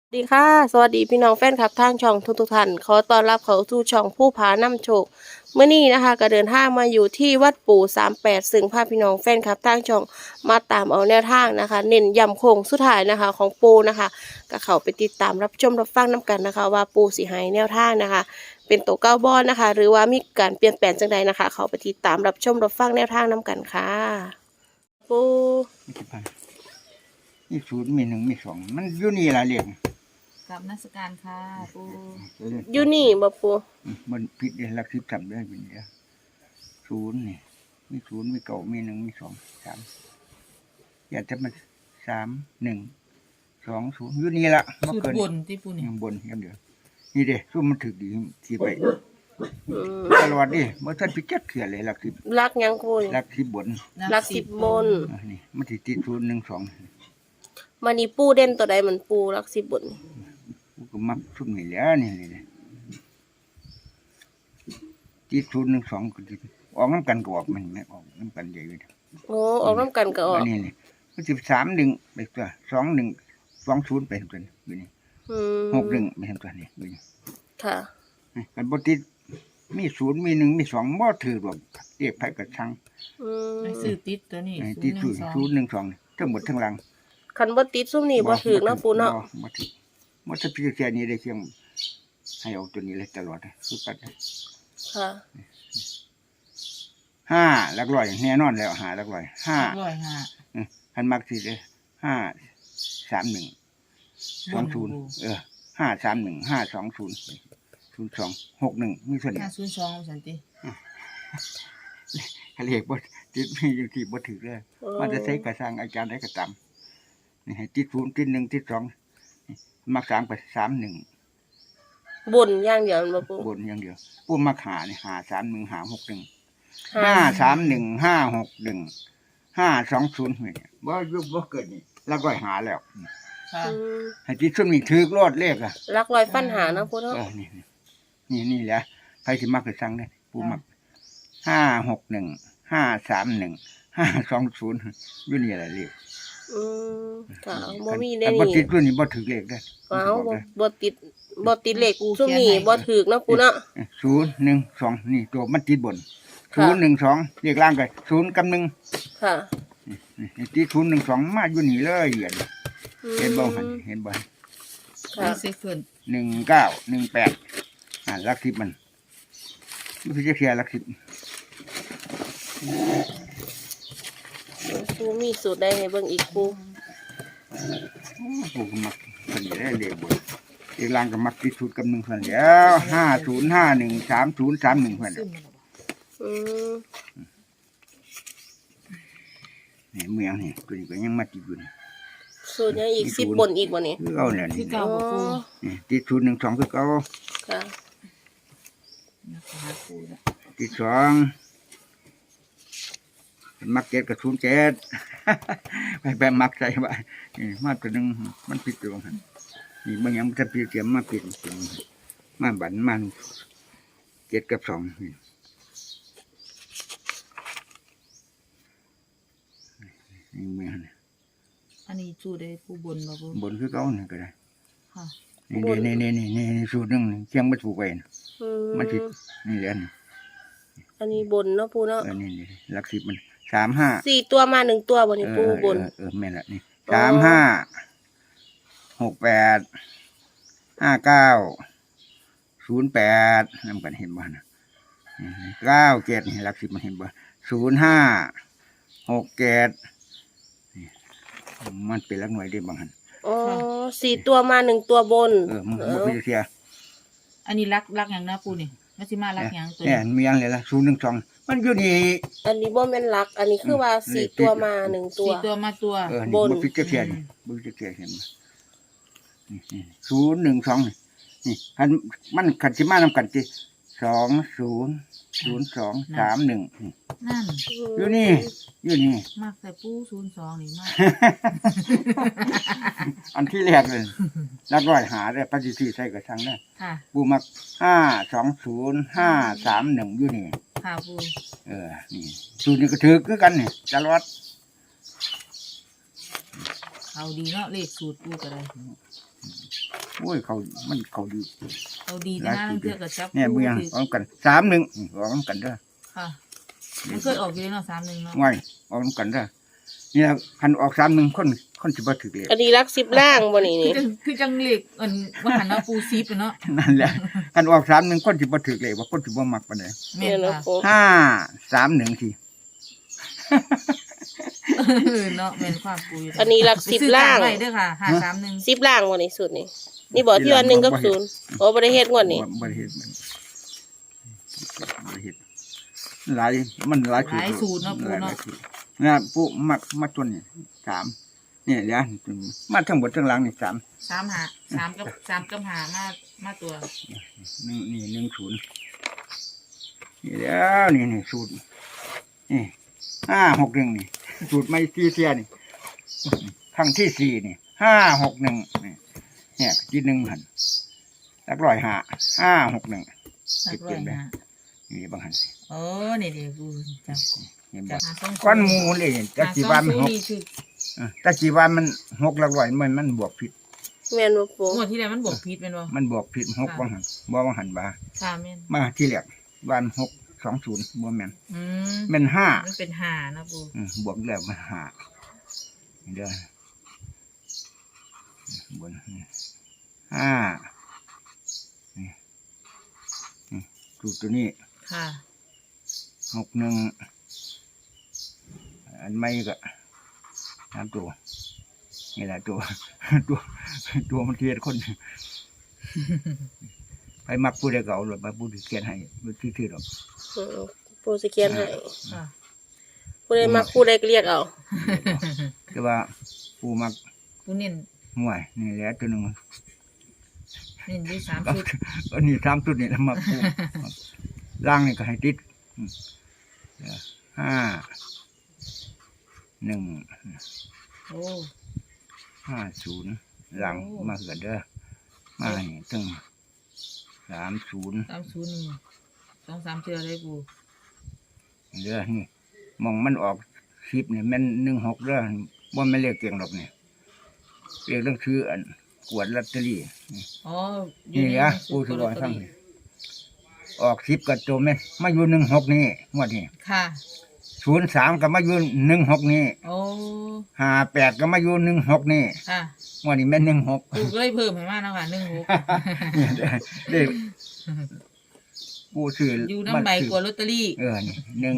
สวัสดีค่ะสวัสดีพี่น้องแฟนคลับทางช่องทุกท่านขอต้อนรับเข้าสู่ช่องผู้ผานำโชคเมื่อนี้นะคะก็เดินทางมาอยู่ที่วัดปู่38ซึ่งพาพี่น้องแฟนคลับทางช่องมาตามเอาแนวทางนะคะเน้นย้ำโค้งสุดท้ายนะคะของปู่นะคะก็เข้าไปติดตามรับชมรับฟังน้กันนะคะว่าปู่สิให้แนวทางนะคะเป็นตัวเก้าบอลนะคะหรือว่ามีการเปลี่ยนแปลงจังใดนะคะเข้าไปติดตามรับชมรับฟังแนวทางน้กันค่ะปู่มีกี่พันมีศูนย์มีหนึ่งมีสองมันอยู่นี่ละเรียงกับนักการค่ะปูอยู่นี่บ่ปู่มันผิดเลยหลักสิบสามได้เป็นเดียวศูนย์นี่มีศูนย์มีเก่ามีหนึ่งมีสองสามอยากจะมาสามหนึ่งสองศูนย์อยู่นี่ละเมื่อสุดเกินบนที่ปูนี่ยังบนยังเดียวนี่เด้สู้มันถึกดีที่ไปอืมตลอดดิเมื่อท่านพิจัดเขื่อนเลยหลักสิบรักยังปู่หลักสิบบนหลัก10บนนี่มันติดศูนย์หนึ่งสองมันนี่ปูเด่นตัวใดมันปูรัก10บนกูก็มักชุดนี่แหล้วนี่เลยติดศูนย์หนึ่งสองก็ติดออกน้ำกันก็ออกมันไม่ออกน้ำกันใหญ่เลยโอ้ออกน้ำกันก็ออกอันนี้นี่มัน13 1ไปตัว21 20ไปตัวนี้อยู่นี่ 61ไปตัวนี้อยู่นี่ค่ะกันบ่ติดมี0มี1มี2บ่ถือหรอกเรียกไผก็ช่างอืมไอ้ซื้อติดตัวนี้ติด 012 012นี่ทั้งหมดทั้งหลังคันบ่ติดซุ่มนี่บ่ถึกเนาะปูเนาะบ่ถือบ่ถ้าพี่แค่นี้ได้เพียงให้เอาตัวนี้เลยตลอดคือปัดค่ะ 5หลักร้อยแน่นอนแล้ว5หลักร้อย5คันมักสิเด้531 20 531 520 02 61มีส่วนนี้ 502สันติเรียกบ่ติดมีอยู่ที่บ่ถือเลยมันจะใช้กระสร้างอาจารย์ได้กระตำนี่ให้ติด0ติด1ติด2นี่มัก3ไป31 บนอย่างเดียวมันบ่ปูบนอย่างเดียวปูมักหานี่หา31หา61 531 561 520นี่บ่ยุบบ่เกิดนี่แล้วก็หาแล้วค่ะอืมให้ติดซุมนี่ถือรอดเลขอ่ะรักรอยฟันหาเนาะปูเนาะนี่แหละใครสิมักก็สั่งได้ปูมัก561 531 520อยู่นี่แหละเลขอืมค่ะบ่มีได้แต่บ่นี่ติดตัวนี้บ่ถือเลขได้ว้าวบ่ติดเลขซุ่มนี่บ่ถึกเนาะปูเนาะ 012นี่ตัวมันติดบนค่ะ 012เลขล่างก็0กับ1 ค่ะนี่ติด012มาอยู่นี่เลยเห็นบ่หั่นเห็นบ่ค่ะมีเซฟเฟิร์น 19 18หลัก10มันคือจะเคลียร์หลัก10 ปูมีสูตรใดให้เบิ่งอีกปูปูก็มักเพิ่นได้เลขบนเลขล่างก็มักติด0กับ1เพิ่นแล้ว5051 3031เพิ่นซึมมันบ่อืมนี่เมืองนี่ตัวนี้ก็ยังมาติดอยู่นี่สูตรยังอีก10บนอีกบ่นี่คือเอาเนี่ยคืนี่อเก่าบ่ปูนี่ติด012คือเก่าค่ะนะคะปูนะติด2มัก7กับ07 ไปมักใส่ว่านี่มาตัวหนึงมันผิดอยู่หั่นนี่บางอย่างมันจะผิดเตรียมมาผิดมาบันมัน7กับ2นี่นี่เมืองนี่อันนี้สูตรได้ปูบนบ่ปูบนคือเก่านี่ก็ได้ค่ะนี่สูตรหนึงนี่เชียงบ่ถูกไว้นะอืมันผิดมนี่แหละนี่อันนี้บนเนาะปูเนาะนี่หลัก10มัน35 4ตัวมา1ตัวบ่นี่ปูบนแม่นละนี่อ๋อ 35 68 59 08นำกันเห็นบ่นะ97นี่หลัก10มันเห็นบ่05 67นี่มันเป็นหลักหน่วยได้บางหันอ๋อ4ตัวมา1ตัวบนมันบ่คือเสียอันนี้รักหยังนะปูนี่มันสิมารักหยังตัวเนี่ยนี้มีอันเลยล่ะ012มันอยู่นี่อันนี้บ่แม่นลัก อันนี้คือว่า4ตัวมา1ตัว 4ตัวมาตัวนี่บนบ่พิจารณานี่บ่พิจารณาเห็นบ่นี่012นี่คันมันคันสิมานำกันติ200231นี่นั่นอยู่นี่มากแต่ปู02นี่มากอันที่แรกเลยนักร้อยหาได้ปฏิทินใส่กระชังได้ค่ะปูมัก520531อยู่นี่ค่ะปูนี่สูตรนี้ก็ถือคือกันนี่ตลอดเอาดีเนาะเลขสูตรปูก็ได้โอ้ยเขามันเขาดีเอาดีนะนั่นเทื่อกับจับเนี่ยเมืองถือออกกัน31ออกกันเด้อค่ะมันเคยออกอยู่เนาะ31เนาะไว้ออกกันเด้อนี่ล่ะคันออก31คนสิบ่ถือเลยอันนี้รัก10ล่างบ่นี่คือจังเหล็กว่าหันเนาะปูซิปเนาะนั่นแหละคันออก31คนสิบ่ถือเลยว่าคนสิบ่มักปานใดแม่เนี่ยนเนาะค่ะปู 531สิเนาะแม่นความปูอยู่อันนี้รัก10ล่างไว้เด้อค่ะ531 10ล่างบ่นี่สุดนี่นี่บอกที่ว่า1กับ0โอ้บ่ได้เฮ็ดงวดนี้บ่ได้เฮ็ดบ่ได้เฮ็ดหลายมันหลายหลายสูตรเนาะปูเนาะนะปูมักมาตัวนี้3นี่แหละมาทั้งหมดทั้งหลังนี่3 3กับ5มาตัวนี่10นี่แล้วนี่สูตรนี่561นี่สูตรไม่ตีเสียนี่ครั้งที่4นี่561นี่เนี่ยที่1หั่นหลักร้อย561 สักร้อยห้านี่บางหันโอ้นี่ดิปูจับเห็นจับ่บหาสองก้อนหมูเลยตะกี้วันมันหกนี่คือตะกี้วันมัน6หลักร้อยมันบวกผิดแม่นบ่ปูงวดที่แล้วมันบวกพิษแม่นบ่มันบวกผิด6บางหันบ่บางหันบ่าค่ะแม่นมาที่แรกวัน620บ่แม่นอืมแม่นมันเป็นห้านะปู 5บวกแล้วมัน5นี่เด้อบน5นี่ตัวนี้ค่ะ 61อันไม่ก็3ตัวนี่แหละตัวมันเทียดคน ไปมักผู้ใดเก่าหรือไปผู้ที่เขียนให้ผู้ที่ถือหรอกอืมปูสิเขียนให้ค่ะผู้ใดมักผู้ใดก็เรียกเอาแต่ว่าผู้มักปูเน้นห่วยนี่แหละตัวหนึ่งเน้นอยู่3ชุดอันนี้3ชุดนี่แล้วมักผู้ล่างนี่ก็ให้ติด5 1 โอ้ 50หลังมาเกิดเด้อมาให้ถึง30 301 2-3เทื่อเลยปูเด้อนี่มองมันออก10นี่แม่น16เด้อบ่แม่นเลขเก่งดอกนี่เลขต้องซื้ออันกวดลอตเตอรี่อ๋อนี่นะปูถือว่าทั้งนี้ออก10กับตัวแม่นมาอยู่16นี่งวดนี้ค่ะ 03ก็มาอยู่16นี่โอ้ 58ก็มาอยู่16นี่ค่ะงวดนี้แม่น16 ปูก็เลยเพิ่มให้มาเนาะค่ะ16 นี่เด้ปูซื้ออยู่น้ำใบกว่าลอตเตอรี่นี่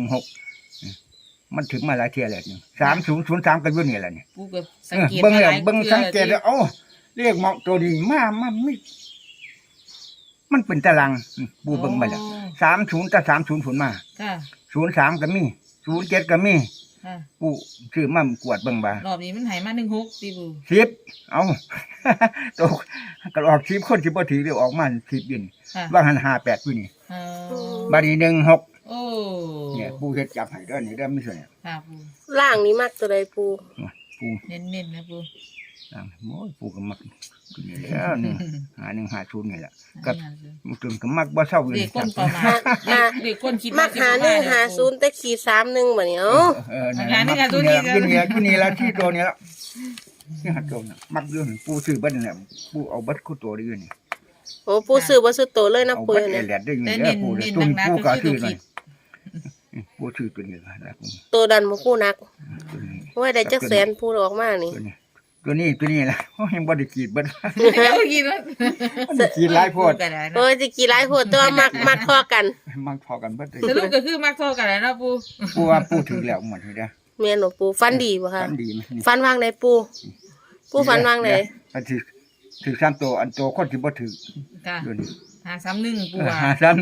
16มันถึงมาหลายเที่ยแล้วนี่3003ก็อยู่นี่แหละนี่ปูก็สังเกตเบิ่งแล้วหลายเบิ่งทื่อสังเกตแล้วเอ้าเรียกเหมาะตัวดีมาไม่มันเป็นตารางปูเบิ่งมาแล้ว30กับ30ผลมาค่ะ 03ก็มี07ก็มีค่ะปูซื้อมากวดเบิ่งบ่ารอบนี้มันให้มา16ติปู 10เอา ตกก็ออก10คนสิบ่ถือเดี๋ยวออกมา10อยู่นี่ค่ะว่าหัน58อยู่นี่เออบัดนี้16 โอ้เนี่ยปูเฮ็ดจับให้เด้อนี่เด้อมีส่วนเนี่ยค่ะปูล่างนี้มักตัวใดปูปูเน้นๆนะปูโอ้ยปูก็มักตัวนี้แล้วนี่5150นี่แหละกับมันจนก็มักบ่เซาอยู่เด็กนี่ก้นประมาณเด็กก้นคิดมักหา150แต่ขีด31บัดนี้เอ้านั่นแหละมักอยู่นี่ละที่ตัวนี้ละนี่หัดตัวน่ะมักอยู่นี่ปูซื้อเบิดนั่นแหละปูเอาเบิดคู่ตัวได้อยู่นี่โอ้ปูซื้อบ่ซื้อโตเลยนะเอาปูเบิดเนี่ยแหลดได้อยู่แต่นี่เน้นปูเน้นตุนนักปูๆก็คือซื้อตัวหน่อคิยดปูซื้อตัวนี้ละนะปูโตดันบ่ปูนักตัวนี้โอ้ยได้จักแสนปูออกมานี่ตัวนี้ละโอ้ยยังบ่ได้กรีดเบิดเอากินว่ามันได้กรีดหลายโพดกันแล้วโอ้ยสิกี่หลายโพดแต่ว่ามักพอกันมักพอกันเบิดเลยสรุปก็คือมักโทรกันแล้วนะปูปูว่าปูถึงแล้วหมดเลยเด้อแม่นบ่ปูฟันดีบ่คะฟันดีมั้ยนี่ฟันวางไหนปูปูฟันวางไหนอันถือ3ตัวอันโตคนที่บ่ถือค่ะอยู่นี่ 531ปูว่า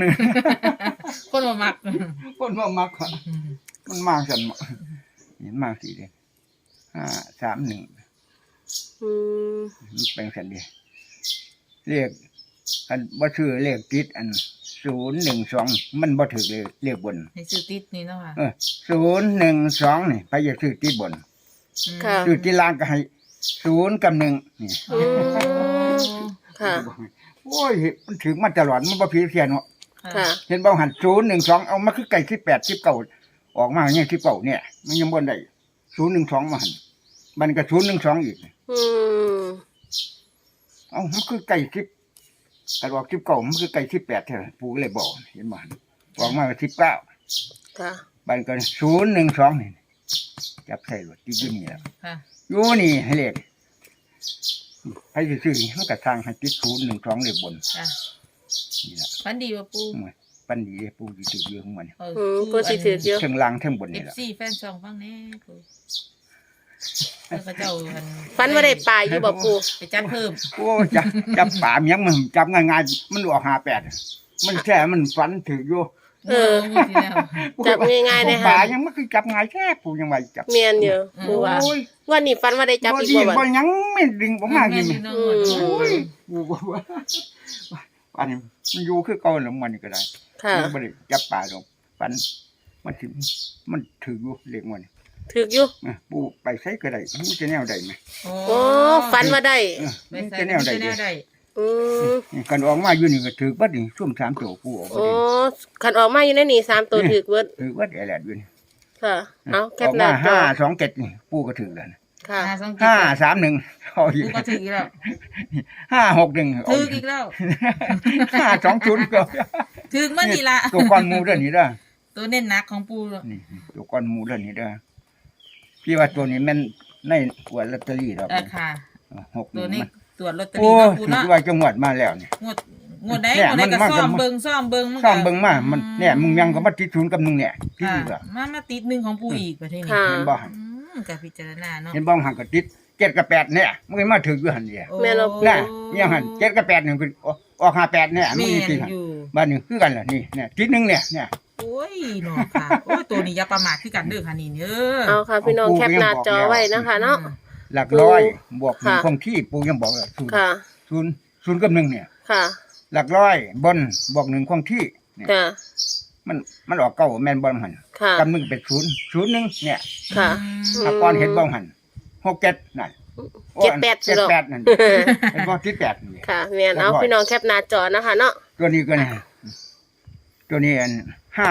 531 คนบ่มักคนบ่มักอะมันมากซั่นเห็นมากสิเด้531 อืมมันเป็นซั่นเด้เลขอันบ่ชื่อเลขติดอัน012มันบ่ถูกเลยเลขบนให้ซื้อติดนี่เนาะค่ะ 012นี่ไปอย่าซื้อติดบนค่ะซื้อติดล่างก็ให้0กับ1นี่อืมค่ะโอ้ยมันถึงมาตลอดมันบ่ผิดเสียเนาะค่ะเห็นบ่หัน012เอามาคือไก่18 19ออกมาอย่าง19เนี่ยมันยังบ่ได้012มาหันมันก็012อีกอืมเอ้ามันคือไก่10กันบอก19มันคือไก่18แท้ปู่ก็เลยบอกเห็นบ่บอกมา19 ค่ะบันก็012นี่จับใส่รถอยู่นี่แหละค่ะอยู่นี่ให้เลขให้ซื้อๆมันก็สร้างให้ติด012เลขบนค่ะนี่ล่ะฝันดีว่าปูปันดีปู่สิถืออยู่ของมันปูสิถือเยอะเทิงล่างเทิงบนนี่ล่ะ FC แฟนช่องฟังแน่ปูแล้วก็เจ้าอันฟันว่าได้ปลาอยู่บ่ปูไปจัดเพิ่มโอ้จับป่ามันยังมันจับง่ายๆมันออก58มันแค่มันฝันถืออยู่เออที่แล้วจับง่ายๆเลยป่าค่ะยังมันคือจับง่ายแค่ปู่ยังว่าจับเมียนอยู่ปูว่าโอ้ยวันนี้ฟันว่าได้จับบ่อีกดีบ่บ่วันยังไม่ดึงบ่มากินแม่นอยู่อืมโอ้ยปู่บ่ว่าอันนี้มันอยู่คือเก่าแล้วมันนี่ก็ได้ค่ะมันบ่ได้จับป่าดอกฝันมันสิมันถืออยู่เลขมันถืออยู่ปู่ไปใช้ก็ได้มันจะแนวใดไหมโอ้ฟันว่าได้ไปมันใส่จะแนวใดแนวใดอืมกันออกมาอยู่นี่ก็ถือบัดนี่ช่วง3ตัวปู่ออกโอ้ขันออกมาอยู่ในนี่3ตัวถือเบิดถือบัดแหละอยู่นี่ค่ะ เอาแคอปอกหน้ามาจอ 527นี่ปู่ก็ถือแล้วนะค่ะ 531เอาอีกปูก็ถืออีกแล้ว 561เอาถืออีอีกกแล้ว 520ก็ถือมานี่ละตัวก้อนหมูเด้อนี่เด้อตัวเน้นหนักของปูนี่ตัวก้อนหมูเด้อนี่เด้อพี่ว่าตัวนี้แม่นในอวดลอตเตอรี่ดอกค่ะ 6 ตัวนี้ตรวจลอตเตอโอ้รี่เนาะปูถืเนาะอว่าจังหวัดมาแล้วนี่งวดใดเนี่ยงวดใดก็มันซ่อมมันเบิ่งซ่อมเบิ่งซ่อมเบิ่งมามันเนี่ยมึงยังก็มาติดศูนย์กับมึงเนี่ยที่ค่ะนี่ก็มาติดหนึ่งของปูอีกประเทศนี้ค่ะเห็นบ่กับพิจารณาเนาะเห็นบ่หันก็ติด7กับ8เนี่ยมึงมาถึงอยู่หั่นเดียโอ้แม่เราน่ะยังหัน7กับ8นี่คือออก58เนี่ยมึแม่งนี่สินหั่นอยู่บ้านนี้คือกันล่ะนี่เนี่ยติดหนึงเนี่ยโอ้ยเนาะค่ะโอ้ยตัวนี้อย่าประมาทคือกันเด้อค่ะนี่เด้อเอาค่ะพี่น้องแคปหน้าจอไว้นะคะเนาะหลักร้อยบวกหนึ่งค่ะคงที่ปู่ยังบอกเลยศูนย์ค่ะศูนย์กับ1เนี่ยค่ะหลักร้อยบนบวก1คงที่เนี่ยค่ะมันออกเก้าแม่นบ่หันค่ะกับ1เป็น0 1เนี่ยค่ะถ้าก่อนเห็นบ่หัน6 7นั่น 7 8สิ 7 เนาะ 8นั่นเห็นบ่ติด8นี่ค่ะเมียนเอาพี่น้องแคปหน้าจอนะคะเนาะตัวนี้ก็เนี่ยตัวนี้อัน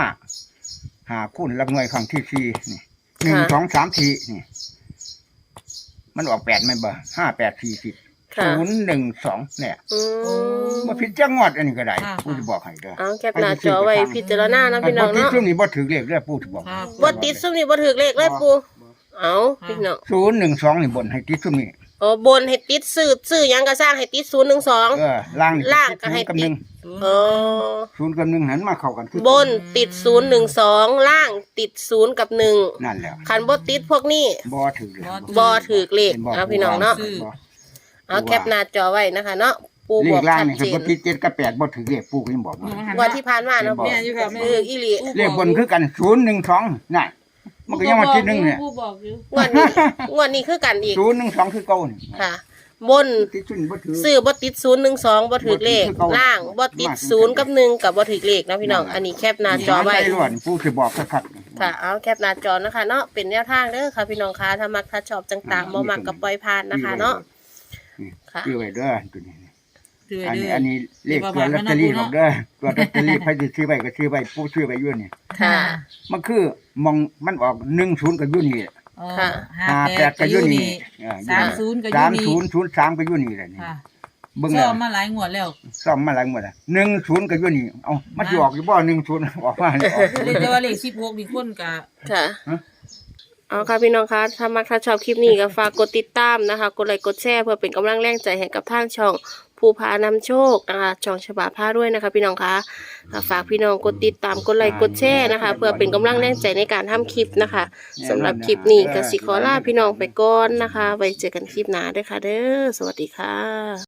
5คูณหลักหน่วยครั้งที่4นี่1 2 3 4นี่มันออก8แม่นบ่5 8 4 10 ค่ะ 0 1 2เนี่ยอืมบ่ผิดจังงอดอันนี้ก็ได้ปู่สิบอกให้เด้อเอาแคปหน้าจอไว้พิจารณานะพี่น้องบ่ติดเนาะช่วงนี้บ่ถือเลขเด้อปู่สิบอกค่ะบ่ติดซุ่มนี่บ่ถือเลขเลยปูเอาพี่น้อง 0 1 2นี่บนให้ติดช่วงนี้โอ้บนให้ติดซื้อหยังก็สร้างให้ติด012 ล่างนี่ล่างก็ให้กับติด 1 โอ้ 0กับ1หันมาเข้ากันคือบนติด012ล่างติด0กับ1 นั่นแหละคันบ่ติดพวกนี้บ่ถือเลยบ่ถือเลขห็บ่เอาพี่น้องเนาะบ่เอาแคปหน้าจอไว้นะคะเนาะปูเลบอกขล่างชัดนี่เจคันบ่นติด7กับ8บ่ถือเลขปู่ก็ยังบอกว่าวันที่ผ่านมาเนาะบอกแม่อยู่ค่ะแม่อีหลีเลขบนคือกัน0 1 2นั่นมันก็ยังมาติด1เนี่ยปูบอกอยู่งวดนี้คือกันอีก 0 1 2คือเก่านี่ค่ะ บนติดชุนบ่ถือซื้อบ่ติด012บ่ถือเลขล่างบ่ติด0กับ1กับบ่ถือเลขนะพี่น้องอันนี้แคปหน้าจอไว้ใจล้วนปู่สิบอกคักๆค่ะเอาแคปหน้าจอนะคะเนาะเป็นแนวทางเด้อค่ะพี่น้องคะถ้ามักถ้าชอบจังตามบ่มักกับปล่อยผ่านนะคะเนาะค่ะซื้อไว้เด้อตัวนี้ถืออันเด้นี้ออันนี้เลขตัวลอตเตอรี่ดอกเด้อตัวลอตเตอรี่ใครสิซื้อไว้ก็ซื้อไว้ปู่ซื้อไว้อยู่นี่ค่ะมันคือมองมันออก10ก็อยู่นี่อ๋อค่ะ 58ก็อยู่นี่ 30ก็อยู่นี่ 30 03ก็อยู่นี่แหละนี่ค่ะเบิ่งซ่แล้อวมมาหลายงวดแล้วซ่อมมาหลายหมดอ่ะ10ก็อยู่นี่เอ้ามันสิออกอยู่บ่10ออกมาเลยออกเลยแต่ว่าเลข16นี่คนก็ค่ะเอาค่ะพี่น้องคะถ้ามักถ้าชอบคลิปนี้ก็ฝากกดติดตามนะคะ กดไลค์กดแชร์เพื่อเป็นกำลังแรงใจให้กับทางช่องภูพานำโชคนะคะช่องฉบาผ้าด้วยนะคะ พี่น้องคะฝากพี่น้องกดติดตามกดไลค์กดแชร์นะคะ เพื่อเป็นกำลังแรงใจในการทำคลิปนะคะสำหรับคลิปนี้ก็สิขอลาพี่น้องไปก่อนนะคะ ไว้เจอกันคลิปหน้าด้วยค่ะเด้อสวัสดีค่ะ